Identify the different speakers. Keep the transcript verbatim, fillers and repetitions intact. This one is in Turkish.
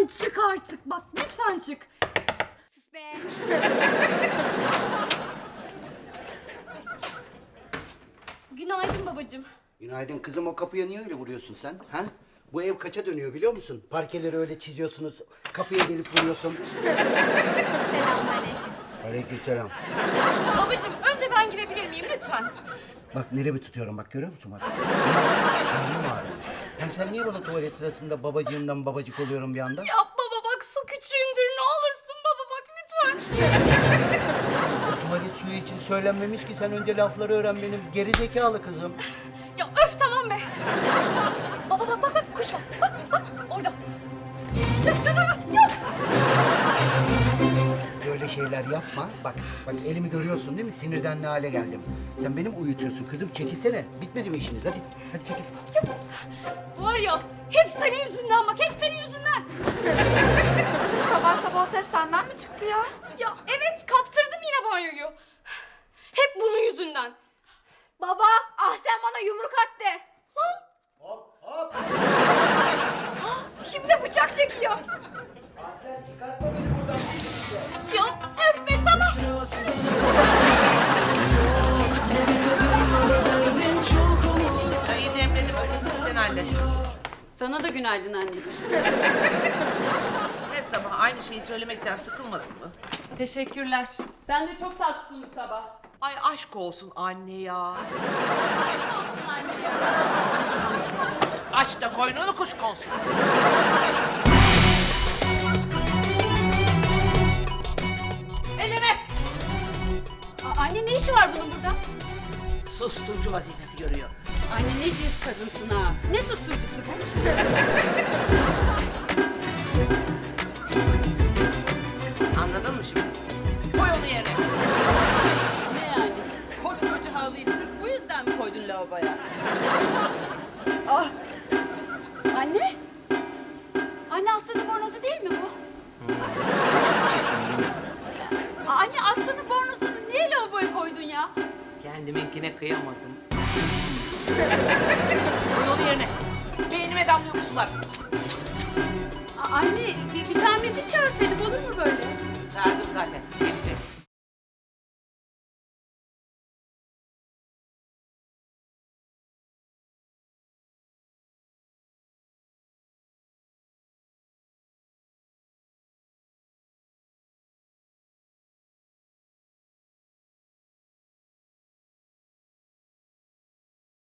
Speaker 1: lütfen çık artık. Bak lütfen çık.
Speaker 2: Sus be.
Speaker 1: Günaydın babacığım.
Speaker 3: Günaydın kızım, o kapıya niye öyle vuruyorsun sen? Ha? Bu ev kaça dönüyor biliyor musun? Parkeleri öyle çiziyorsunuz, kapıya gelip vuruyorsun.
Speaker 1: Selamünaleyküm.
Speaker 3: Aleykümselam.
Speaker 1: Babacığım önce ben girebilir miyim lütfen?
Speaker 3: Bak neremi tutuyorum, bak görüyor musun bak? Karnım ağrıyor. Hem sen niye bana tuvalet sırasında babacığından babacık oluyorum bir anda?
Speaker 1: Yapma baba bak, su küçüğündür, ne olursun baba bak lütfen.
Speaker 3: O tuvalet suyu için söylenmemiş ki, sen önce lafları öğren benim geri zekalı kızım.
Speaker 1: Ya öf tamam be. Baba bak bak bak, kuş var. Bak bak orada. İşte bak bak yok.
Speaker 3: Böyle şeyler yapma. Bak, bak elimi görüyorsun değil mi? Sinirden ne hale geldim. Sen benim uyutuyorsun kızım. Çekilsene. Bitmedi mi işiniz? Hadi, hadi çekil.
Speaker 1: Var ya, hep senin yüzünden bak, hep senin yüzünden.
Speaker 2: Anacığım sabah sabah o ses senden mi çıktı ya?
Speaker 1: Ya evet, kaptırdım yine banyoyu. Hep bunun yüzünden.
Speaker 2: Baba, ah sen bana yumruk at de.
Speaker 1: Lan
Speaker 3: Hop hop.
Speaker 1: şimdi de bıçak çekiyor.
Speaker 3: Aslen çıkartma beni buradan.
Speaker 1: Ya öf be tamam.
Speaker 4: Çayı demledim, ötesini sen hallet.
Speaker 1: Sana da günaydın anneciğim.
Speaker 4: Her sabah aynı şeyi söylemekten sıkılmadın mı?
Speaker 1: Teşekkürler. Sen de çok tatlısın bu sabah.
Speaker 4: Ay aşk olsun anne ya.
Speaker 1: Olsun anne ya.
Speaker 4: Aç da koynunu kuş konsun. Elime!
Speaker 1: Aa, anne ne işi var bunun burada?
Speaker 4: Susturucu vazifesi görüyor.
Speaker 1: Anne ne cins kadınsın ha. Ne susturucusu bu?
Speaker 4: Anladın mı şimdi? Koy onu yerine.
Speaker 1: Ne yani? Koskoca havluyu sırf bu yüzden mi koydun lavaboya? Ah! Anne? Anne aslanın bornozu değil mi bu? Aa, Anne aslanın bornozunu niye lavaboya koydun ya?
Speaker 4: Kendiminkine kıyamadım. Koy onu yerine. Beynime damlıyor bu sular.
Speaker 1: Aa, anne bir, bir tamirci çağırsaydık olur mu böyle?
Speaker 4: Çağırdım zaten. Gelecek.